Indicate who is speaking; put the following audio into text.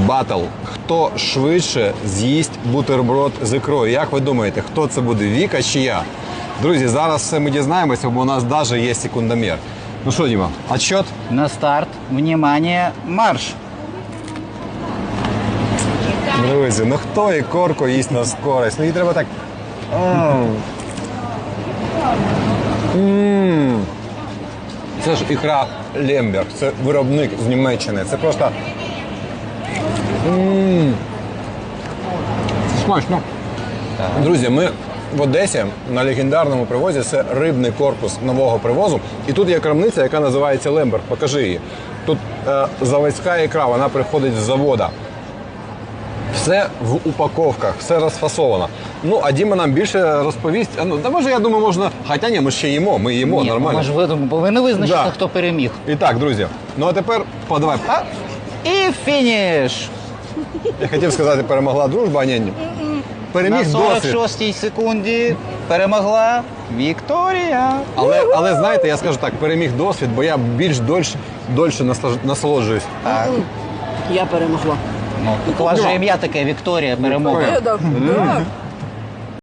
Speaker 1: батл. Хто швидше з'їсть бутерброд з ікрою? Як ви думаєте, хто це буде, Віка чи я? Друзі, зараз все ми дізнаємося, бо у нас навіть є секундомір. Ну що, Діма, отчет?
Speaker 2: На старт, внимание, марш!
Speaker 1: Друзі, ну хто ікорку їсть на скорость? Ну їй треба так... Це ж ікра Лемберг, це виробник з Німеччини. Це просто... Це смачно. Друзі, ми в Одесі на легендарному привозі, це рибний корпус нового привозу. І тут є крамниця, яка називається Лемберг. Покажи її. Тут заводська ікра, вона приходить з завода. Все в упаковках, все розфасовано. Ну, а Діма нам більше розповість. Ну, та може, я думаю, можна... Хоча ні, ми ще їмо, ми їмо нормально.
Speaker 2: Ми ж повинні визначити, хто переміг.
Speaker 1: І так, друзі, ну а тепер подавай.
Speaker 2: І фініш!
Speaker 1: Я хотів сказати, перемогла дружба, а ні. Переміг
Speaker 2: На
Speaker 1: досвід.
Speaker 2: 46-й секунді перемогла Вікторія.
Speaker 1: Але знаєте, я скажу так, переміг досвід, бо я більш дольше насолоджуюсь.
Speaker 2: Так.
Speaker 3: Я перемогла.
Speaker 2: Ну, у вас же ім'я таке Вікторія, перемога.
Speaker 3: Так.